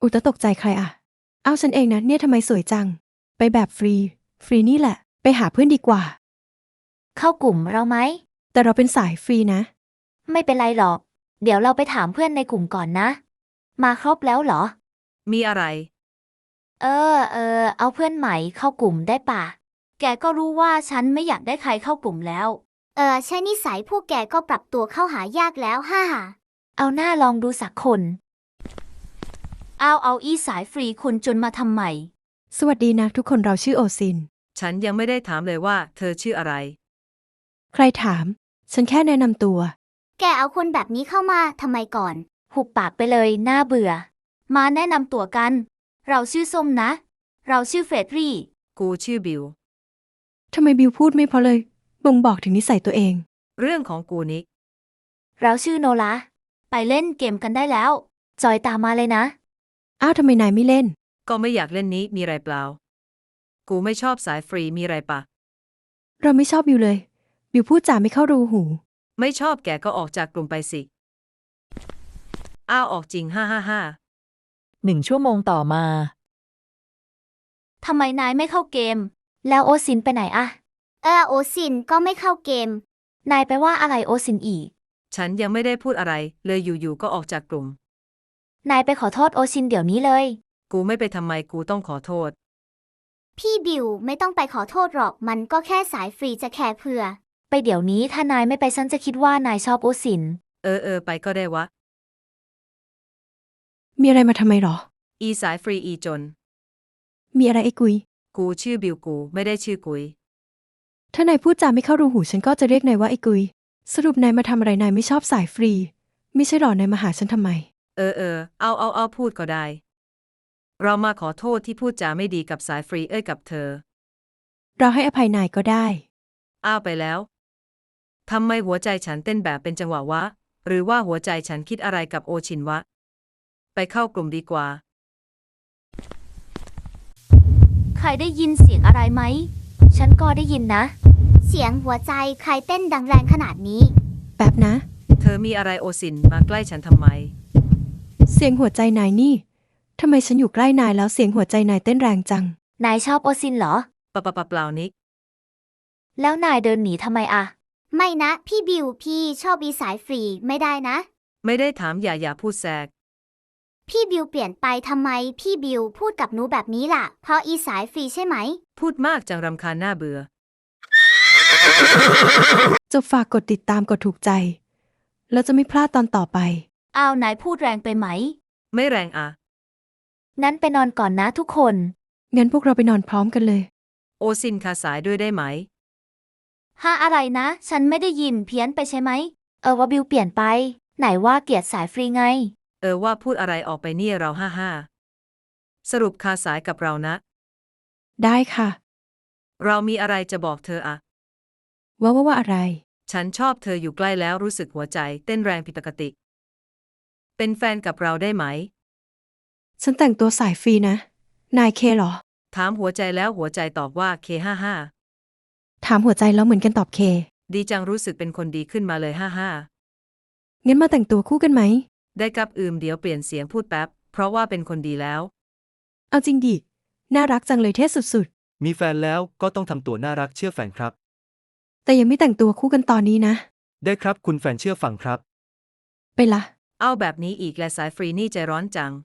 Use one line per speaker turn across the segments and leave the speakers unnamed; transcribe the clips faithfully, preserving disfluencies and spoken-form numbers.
อุตะตกใจใครอ่ะอ้าวฉันเองนะเนี่ยทำไมสวยจังไปแบบฟรีฟรีนี่แหละไปหาเพื่อนดีกว่า
เข้ากลุ่มเราไหม
แต่เราเป็นสายฟรีนะ
ไม่เป็นไรหรอกเดี๋ยวเราไปถามเพื่อนในกลุ่มก่อนนะมาครบแล้วเหรอ
มีอะไร
เออเออเอาเพื่อนใหม่เข้ากลุ่มได้ป่ะแกก็รู้ว่าฉันไม่อยากได้ใครเข้ากลุ่มแล้ว
เออใช่นิสัยพวกแกก็ปรับตัวเข้าหายากแล้วฮ่าฮ่า
เอาหน้าลองดูสักคนเอาเอาอีสายฟรีคุณจนมาทำไม
สวัสดีนะทุกคนเราชื่อโอซิน
ฉันยังไม่ได้ถามเลยว่าเธอชื่ออะไร
ใครถามฉันแค่แนะนำตัว
แกเอาคนแบบนี้เข้ามาทำไมก่อน
หุบปากไปเลยน่าเบื่อมาแนะนำตัวกันเราชื่อส้มนะเราชื่อเฟรดรี่
กูชื่อบิว
ทำไมบิวพูดไม่เพอเลยบ่งบอกถึงนิสัยตัวเอง
เรื่องของกูนิก
เราชื่อโนลาไปเล่นเกมกันได้แล้วจอยตามมาเลยนะ
อ้าวทำไมนายไม่เล่น
ก็ไม่อยากเล่นนี้มีไรเปล่ากูไม่ชอบสายฟรีมีไรปะ
เราไม่ชอบบิวเลยบิวพูดจาไม่เข้ารูหู
ไม่ชอบแกก็ออกจากกลุ่มไปสิอ้าวออกจริงฮ่าฮ่าฮ่า
หนึ่งชั่วโมงต่อมา
ทำไมนายไม่เข้าเกมแล้วโอซินไปไหนอะ
เออโอซินก็ไม่เข้าเกม
นายไปว่าอะไรโอซินอีก
ฉันยังไม่ได้พูดอะไรเลยอยู่ๆก็ออกจากกลุ่ม
นายไปขอโทษโอซินเดี๋ยวนี้เลย
กูไม่ไปทำไมกูต้องขอโทษ
พี่บิวไม่ต้องไปขอโทษหรอกมันก็แค่สายฟรีจะแค่เผื่อ
ไปเดี๋ยวนี้ถ้านายไม่ไปฉันจะคิดว่านายชอบโอซิน
เออเออไปก็ได้วะ
มีอะไรมาทำไมหรอ
อีสายฟรีอีจน
มีอะไรไอ้กุย
กูชื่อบิวกูไม่ได้ชื่อกุย
ถ้านายพูดจาไม่เข้ารูหูฉันก็จะเรียกนายว่าไอ้กุยสรุปนายมาทำอะไรนายไม่ชอบสายฟรีไม่ใช่หรอนายมาหาฉันทำไม
เออเออเอาเอาเอาพูดก็ได้เรามาขอโทษที่พูดจาไม่ดีกับสายฟรีเอ้ยกับเธอ
เราให้อภัยนายก็ได้
อ้าวไปแล้วทำไมหัวใจฉันเต้นแบบเป็นจังหวะวะหรือว่าหัวใจฉันคิดอะไรกับโอชินวะไปเข้ากลุ่มดีกว่า
ใครได้ยินเสียงอะไรไหมฉันก็ได้ยินนะ
เสียงหัวใจใครเต้นดังแรงขนาดนี้
แป๊บนะ
เธอมีอะไรโอซินมาใกล้ฉันทำไม
เสียงหัวใจนายนี่ทำไมฉันอยู่ใกล้นายแล้วเสียงหัวใจนายเต้นแรงจัง
นายชอบโอซินเหรอ
ปะปะปะเปล่านิก
แล้วนายเดินหนีทำไมอะ
ไม่นะพี่บิวพี่ชอบอีสายฟรีไม่ได้นะ
ไม่ได้ถามอย่าอย่าพูดแทรก
พี่บิวเปลี่ยนไปทำไมพี่บิวพูดกับหนูแบบนี้ล่ะเพราะอีสายฟรีใช่ไหม
พูดมากจังรำคาญหน้าเบื่อ
จะฝากกดติดตามกดถูกใจแล้วจะไม่พลาดตอนต่อไป
อ้าวนายพูดแรงไปไหม
ไม่แรงอะ
นั้นไปนอนก่อนนะทุกคน
งั้นพวกเราไปนอนพร้อมกันเลย
โอซินคาสายด้วยได้ไหม
ฮะอะไรนะฉันไม่ได้ยินเพี้ยนไปใช่ไหมเออว่าบิวเปลี่ยนไปไหนว่าเกลียดสายฟรีไง
เออว่าพูดอะไรออกไปเนี่ยเราห้าห้าสรุปคาสายกับเรานะ
ได้ค่ะ
เรามีอะไรจะบอกเธออะ
ว่าว่าว่าอะไร
ฉันชอบเธออยู่ใกล้แล้วรู้สึกหัวใจเต้นแรงผิดปกติเป็นแฟนกับเราได้ไหม
ฉันแต่งตัวสายฟรีนะนายเคเหรอ
ถามหัวใจแล้วหัวใจตอบว่าเคห้าห้า
ถามหัวใจแล้วเหมือนกันตอบเค
ดีจังรู้สึกเป็นคนดีขึ้นมาเลยห้าห้า
งั้นมาแต่งตัวคู่กันไหม
ได้กับอืมเดี๋ยวเปลี่ยนเสียงพูดแป๊บเพราะว่าเป็นคนดีแล้ว
เอาจริงดิน่ารักจังเลยเท่สุด
ๆมีแฟนแล้วก็ต้องทำตัวน่ารักเชื่อแฟนครับ
แต่ยังไม่แต่งตัวคู่กันตอนนี้นะ
ได้ครับคุณแฟนเชื่อฟังครับ
ไปละ
เอาแบบนี้อีกและสายฟรีนี่ใจร้อนจัง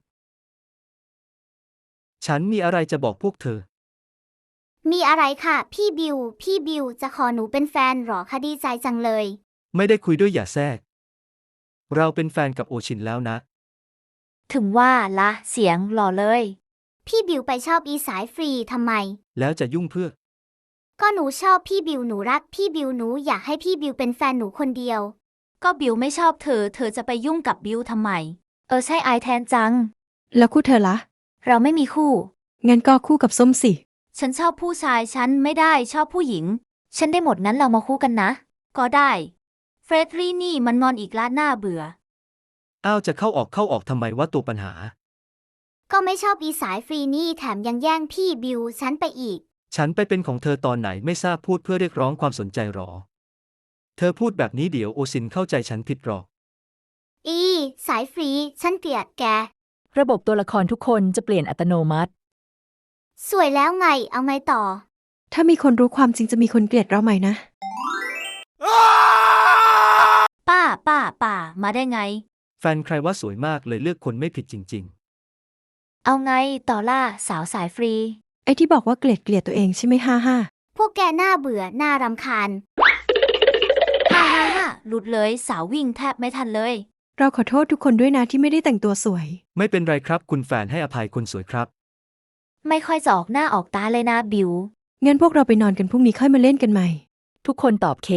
ฉันมีอะไรจะบอกพวกเธอ
มีอะไรค่ะพี่บิวพี่บิวจะขอหนูเป็นแฟนหรอคะดีใจจังเลย
ไม่ได้คุยด้วยอย่าแทรกเราเป็นแฟนกับโอชินแล้วนะ
ถึงว่าละเสียงหล่อเลย
พี่บิวไปชอบอีสายฟรีทำไม
แล้วจะยุ่งเพื่อ
ก็หนูชอบพี่บิวหนูรักพี่บิวหนูอยากให้พี่บิวเป็นแฟนหนูคนเดียว
ก็บิวไม่ชอบเธอเธอจะไปยุ่งกับบิวทำไมเออใช่ไอแทนจัง
แล้วคู่เธอละ
เราไม่มีคู่
งั้นก็คู่กับส้มสิ
ฉันชอบผู้ชายฉันไม่ได้ชอบผู้หญิงฉันได้หมดงั้นเรามาคู่กันนะก็ได้เฟรดรี่นี่มันงอนอีกละหน้าเบื่อ
อ้าวจะเข้าออกเข้าออกทำไมว่าตัวปัญหา
ก็ไม่ชอบอีสายฟรีนี่แถมยังแย่งพี่บิวฉันไปอีก
ฉันไปเป็นของเธอตอนไหนไม่ทราบพูดเพื่อเรียกร้องความสนใจหรอเธอพูดแบบนี้เดี๋ยวโอซินเข้าใจฉันผิดหรอก
อีสายฟรีฉันเกลียดแก
ระบบตัวละครทุกคนจะเปลี่ยนอัตโนมัติ
สวยแล้วไง เอาไงต่อ
ถ้ามีคนรู้ความจริงจะมีคนเกลียดเราไหมนะ
ป้า ป้า ป้า มาได้ไง
แฟนใครว่าสวยมากเลยเลือกคนไม่ผิดจริง
เอาไงต่อล่าสาวสายฟรี
ไอ้ที่บอกว่าเกลียดเกลียดตัวเองใช่ไหมฮ่าฮ่า
พวกแกน่าเบื่อน่ารำคาญ
ฮ่าฮ่าฮ่าหลุดเลยสาววิ่งแทบไม่ทันเลย
เราขอโทษทุกคนด้วยนะที่ไม่ได้แต่งตัวสวย
ๆ ไม่เป็นไรครับคุณแฟนให้อภัยคนสวยครับ
ไม่ค่อยจะออกหน้าออกตาเลยนะบิว
งั้นพวกเราไปนอนกันพรุ่งนี้ค่อยมาเล่นกันใหม่
ทุกคนตอบเค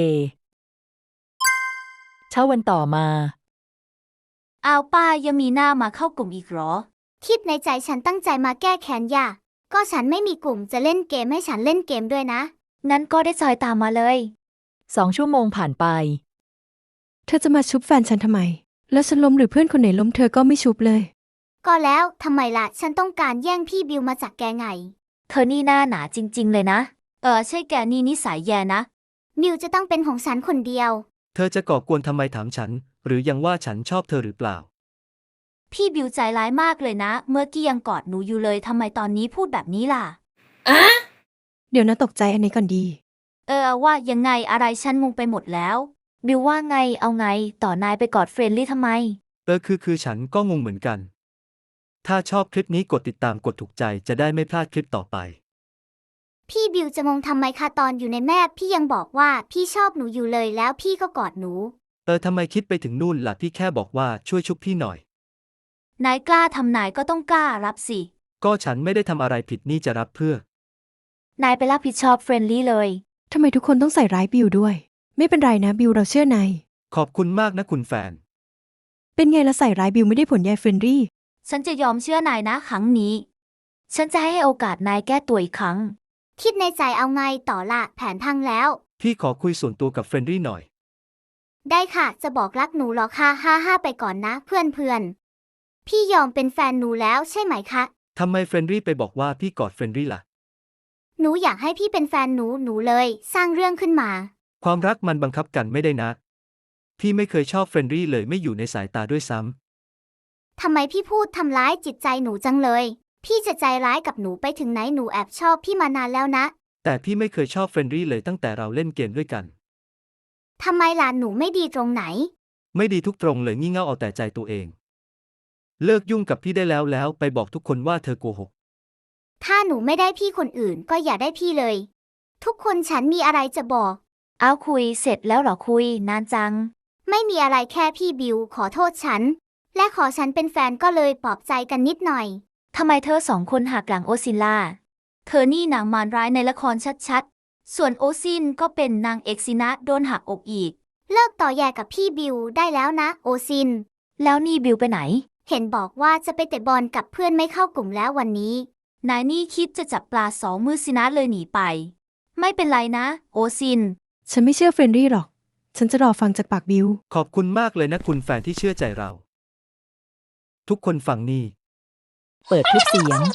เช้าวันต่อมา
อ้าวป้ายังมีหน้ามาเข้ากลุ่มอีกเหรอ
คิดในใจฉันตั้งใจมาแก้แค้นย่าก็ฉันไม่มีกลุ่มจะเล่นเกมให้ฉันเล่นเกมด้วยนะ
งั้นก็ได้จอยตามมาเลย
สองชั่วโมงผ่านไป
เธอจะมาชุบแฟนฉันทำไม แล้วฉันล้มหรือเพื่อนคนไหนล้มเธอก็ไม่ชุบเลย
ก็แล้วทำไมล่ะ ฉันต้องการแย่งพี่บิวมาจากแกไง
เธอนี่หน้าหนาจริง ๆ เลยนะ เออใช่แกนี่นิสัยแย่นะ
มิวจะต้องเป็นของฉันคนเดียว
เธอจะก่อกวนทำไมถามฉัน หรือยังว่าฉันชอบเธอหรือเปล่า
พี่บิวใจร้ายมากเลยนะ เมื่อกี้ยังกอดหนูอยู่เลยทำไมตอนนี้พูดแบบนี้ล่ะ
เดี๋ยวนะตกใจอันนี้ก่อนดี
เออว่ายังไงอะไรฉันงงไปหมดแล้ว บิวว่าไงเอาไงต่อนายไปกอดเฟรนลี่ทำไม
เออคือคือฉันก็งงเหมือนกัน ถ้าชอบคลิปนี้กดติดตามกดถูกใจจะได้ไม่พลาดคลิปต่อไป
พี่บิวจะงงทำไมคะตอนอยู่ในแม่พี่ยังบอกว่าพี่ชอบหนูอยู่เลยแล้วพี่ก็กอดหนู
เออทำไมคิดไปถึงนู่นล่ะพี่แค่บอกว่าช่วยชุบพี่หน่อย
นายกล้าทำนายก็ต้องกล้ารับสิ
ก็ฉันไม่ได้ทำอะไรผิดนี่จะรับเพื่อ
นายไปรับผิดชอบเฟรนลี่เลย
ทำไมทุกคนต้องใส่ร้ายบิวด้วย ไม่เป็นไรนะบิวเราเชื่อนาย
ขอบคุณมากนะคุณแฟน
เป็นไงละใส่ร้ายบิวไม่ได้ผลยายเฟรนรี่
ฉันจะยอมเชื่อนายนะครั้งนี้ ฉันจะให้โอกาสนายแก้ตัวอีกครั้ง
คิดในใจเอาไงต่อละแผนพังแล้ว
พี่ขอคุยส่วนตัวกับเฟรนรี่หน่อย
ได้ค่ะ จะบอกรักหนูหรอคะฮ่าฮ่าไปก่อนนะเพื่อนเพื่อนพี่ยอมเป็นแฟนหนูแล้วใช่ไหมคะ
ทำไมเฟรนรี่ไปบอกว่าพี่กอดเฟรนรี่ล่ะ
หนูอยากให้พี่เป็นแฟนหนูหนูเลย สร้างเรื่องขึ้นมา
ความรักมันบังคับกันไม่ได้นะ พี่ไม่เคยชอบเฟรนรี่เลยไม่อยู่ในสายตาด้วยซ้ำ
ทำไมพี่พูดทำร้ายจิตใจหนูจังเลย พี่จะใจร้ายกับหนูไปถึงไหนหนูแอบชอบพี่มานานแล้วนะ
แต่พี่ไม่เคยชอบเฟรนรี่เลยตั้งแต่เราเล่นเกมด้วยกัน
ทำไมล่ะหนูไม่ดีตรงไหน
ไม่ดีทุกตรงเลยงี่เง่าเอาแต่ใจตัวเอง เลิกยุ่งกับพี่ได้แล้วแล้วไปบอกทุกคนว่าเธอโกหก
ถ้าหนูไม่ได้พี่คนอื่นก็อย่าได้พี่เลย ทุกคนฉันมีอะไรจะบอก
เอาคุยเสร็จแล้วเหรอคุยนานจัง
ไม่มีอะไรแค่พี่บิวขอโทษฉัน และขอฉันเป็นแฟนก็เลยปลอบใจกันนิดหน่อย
ทำไมเธอสองคนหักหลังโอซินล่า เธอนี่นางมารร้ายในละครชัดๆ ส่วนโอซินก็เป็นนางเอกสินะโดนหักอกอีก
เลิกต่อแย่กับพี่บิวได้แล้วนะโอซิน
แล้วนี่บิวไปไหน
เห็นบอกว่าจะไปเตะบอลกับเพื่อนไม่เข้ากลุ่มแล้ววันนี้
นายนี่คิดจะจับปลาสองมือสินะเลยหนีไป ไม่เป็นไรนะ โอซิน
ฉันไม่เชื่อเฟรนรี่หรอก ฉันจะรอฟังจากปากบิว
ขอบคุณมากเลยนะคุณแฟนที่เชื่อใจเรา ทุกคนฟังนี่
เปิดคลิปเสียง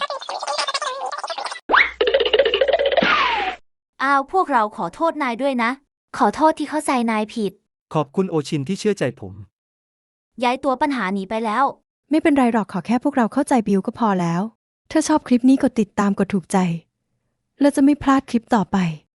อ้าวพวกเราขอโทษนายด้วยนะ ขอโทษที่เข้าใจนายผิด
ขอบคุณโอชินที่เชื่อใจผม
ย้ายตัวปัญหาหนีไปแล้ว
ไม่เป็นไรหรอกขอแค่พวกเราเข้าใจบิวก็พอแล้ว ถ้าชอบคลิปนี้กดติดตามกดถูกใจ แล้วจะไม่พลาดคลิปต่อไป